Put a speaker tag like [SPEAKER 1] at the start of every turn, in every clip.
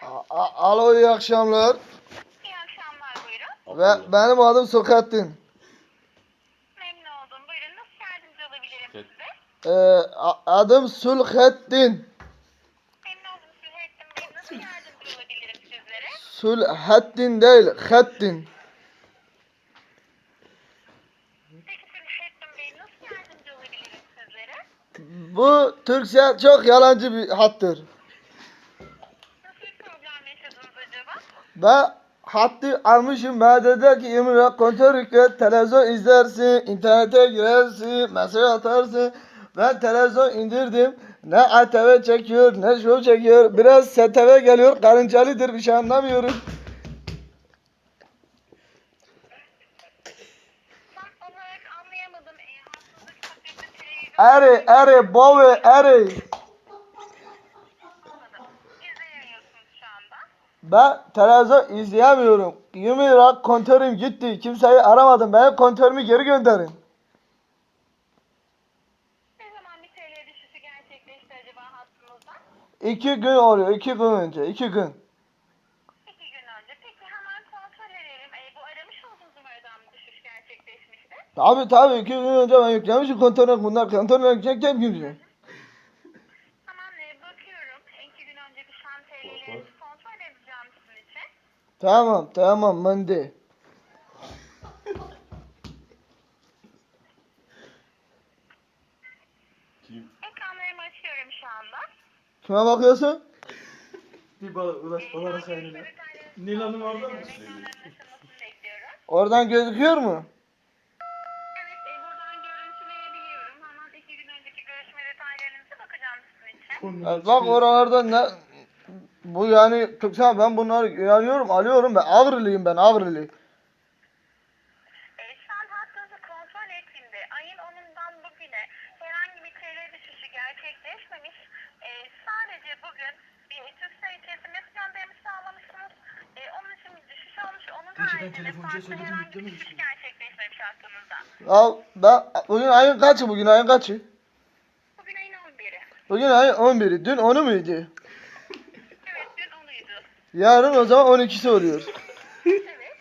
[SPEAKER 1] Alo, iyi akşamlar.
[SPEAKER 2] İyi akşamlar, buyurun.
[SPEAKER 1] Ve benim adım Sokettin.
[SPEAKER 2] Memnun oldum. Buyurun, nasıl yardımcı olabilirim size?
[SPEAKER 1] Adım Sülhettin.
[SPEAKER 2] Memnun oldum Sülhettin Bey. Nasıl yardımcı olabilirim sizlere?
[SPEAKER 1] Sülhettin değil, Hettin.
[SPEAKER 2] Peki Sülhettin Bey, nasıl yardımcı olabilirim sizlere?
[SPEAKER 1] Bu Türkçe çok yalancı bir hattır.
[SPEAKER 2] Nasıl bir problem yaşadınız acaba?
[SPEAKER 1] Ben hattı almışım. Bana dediler ki 20 lira kontör yükle, televizyon izlersin, internete girersin, mesaj atarsın. Ben televizyon indirdim. Ne ATV çekiyor, ne show çekiyor. Biraz STV geliyor, karıncalıdır, bir şey anlamıyorum.
[SPEAKER 2] Tam olarak anlayamadım. Hakkınızdaki pakette televizyon...
[SPEAKER 1] Eri, bove, eri.
[SPEAKER 2] Anladım. İzleyemiyorsunuz şu anda.
[SPEAKER 1] Ben televizyon izleyemiyorum. 20 lira kontörüm gitti. Kimseyi aramadım. Benim kontörümü geri gönderin.
[SPEAKER 2] Ne zaman bir TL düşüşü gerçekleşti acaba hattınızda?
[SPEAKER 1] 2 gün oluyor. 2 gün önce. 2 gün.
[SPEAKER 2] 2 gün önce. Peki hemen kontrol edelim. Bu aramış olduğunuz numaradan mı düşüş gerçekleşmişti?
[SPEAKER 1] Tabii 2 gün önce ben yüklemişim kontörü. Bunlar kontörü yükleyecekken gün.
[SPEAKER 2] Hemen bakıyorum. 2 gün önce düşen TL'lerinizi kontrol edeceğim sizin için.
[SPEAKER 1] Tamam Monday.
[SPEAKER 2] Ekranlarımı açıyorum şu anda.
[SPEAKER 1] Kime bakıyorsun?
[SPEAKER 3] Bir balara kaynına. Nil Hanım orada mı?
[SPEAKER 2] Ekranların açılmasını bekliyorum.
[SPEAKER 1] Oradan gözüküyor mu?
[SPEAKER 2] Evet, buradan görüntüleyebiliyorum. Hemen 2 gün önceki görüşme detaylarınıza bakacağım sizin için.
[SPEAKER 1] Bak oralarda ne... Bu yani Türkçe, ben bunları inanıyorum, alıyorum. Ben Avriliyim, ben Avrili.
[SPEAKER 2] Şu an hattınızı kontrol ettiğimde ayın 10'undan bugüne herhangi bir TL düşüşü gerçekleşmemiş. Sadece bugün bir TürkCell SMS gönderimi sağlamışsınız. Onun için bir düşüş olmuş. Onun
[SPEAKER 3] Peki, ben
[SPEAKER 2] haricinde
[SPEAKER 3] telefoncuya
[SPEAKER 2] farklı
[SPEAKER 3] söyledim,
[SPEAKER 2] herhangi bir
[SPEAKER 3] yüklememiş
[SPEAKER 2] düşüş
[SPEAKER 3] mi?
[SPEAKER 2] gerçekleşmemiş hattınızda.
[SPEAKER 1] Ya ben bugün ayın kaçı? Bugün ayın kaçı?
[SPEAKER 2] Bugün ayın 11'i.
[SPEAKER 1] Bugün ayın 11'i. Dün 10'u muydu?
[SPEAKER 2] Evet, dün 10'uydu.
[SPEAKER 1] Yarın o zaman 12'si oluyor.
[SPEAKER 2] Evet.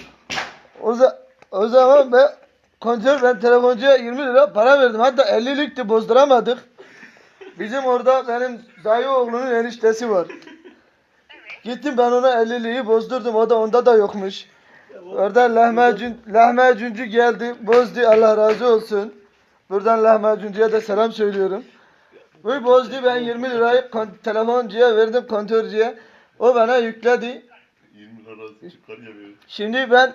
[SPEAKER 1] O zaman ben telefoncuya 20 lira para verdim. Hatta 50'likti, bozduramadık. Bizim orada benim dayı oğlunun eniştesi var. Gittim ben ona 50'liği bozdurdum. O da onda da yokmuş. Orada lahmacuncu geldi. Bozdu, Allah razı olsun. Buradan lahmacuncuya da selam söylüyorum. Bu bozdu, ben 20 lirayı telefoncuya verdim, kontörcüye. O bana yükledi.
[SPEAKER 4] 20 lira çıkar ya böyle.
[SPEAKER 1] Şimdi ben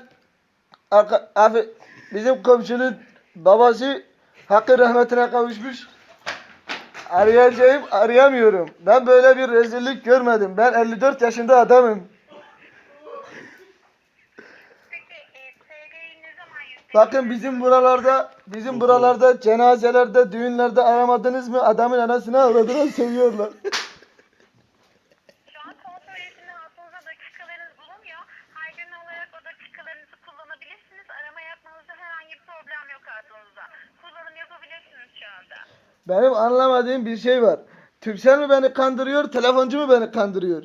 [SPEAKER 1] bizim komşunun babası hakkı rahmetine kavuşmuş. Arayamıyorum. Ben böyle bir rezillik görmedim. Ben 54 yaşında adamım.
[SPEAKER 2] Peki TL'yi ne zaman yüklediniz?
[SPEAKER 1] Bakın bizim buralarda cenazelerde, düğünlerde aramadınız mı? Adamın anasını avradına seviyorlar.
[SPEAKER 2] Şu an kontrol ettiğinde hattınızda dakikalarınız bulunmuyor. Aydın olarak o dakikalarınızı kullanabilirsiniz. Arama yapmanızda herhangi bir problem yok hattınızda. Kullanım yapabilirsiniz şu anda.
[SPEAKER 1] Benim anlamadığım bir şey var. Türkcell mi beni kandırıyor, telefoncu mu beni kandırıyor?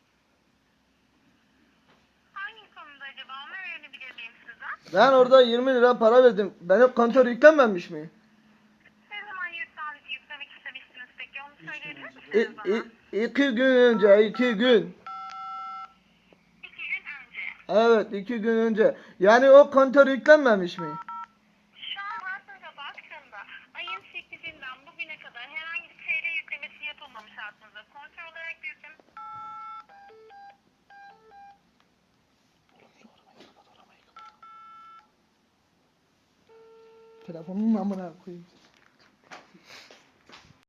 [SPEAKER 2] Hangi konuda acaba, onu öğrenebilir miyim sizden?
[SPEAKER 1] Ben orada 20 lira para verdim. Benim kontör yüklenmemiş mi?
[SPEAKER 2] Ne zaman yüklemek istemiştiniz peki, onu söyleyebilir misiniz bana?
[SPEAKER 1] 2 gün önce, 2 gün.
[SPEAKER 2] 2 gün önce.
[SPEAKER 1] Evet, 2 gün önce. Yani o kontör yüklenmemiş mi?
[SPEAKER 2] Şu an hattınıza baktığımda ayın 8'inden bugüne kadar herhangi bir TL yüklemesi yapılmamış hattınıza. Kontrol olarak bir yükleme...
[SPEAKER 1] Telefonun amına koyayım.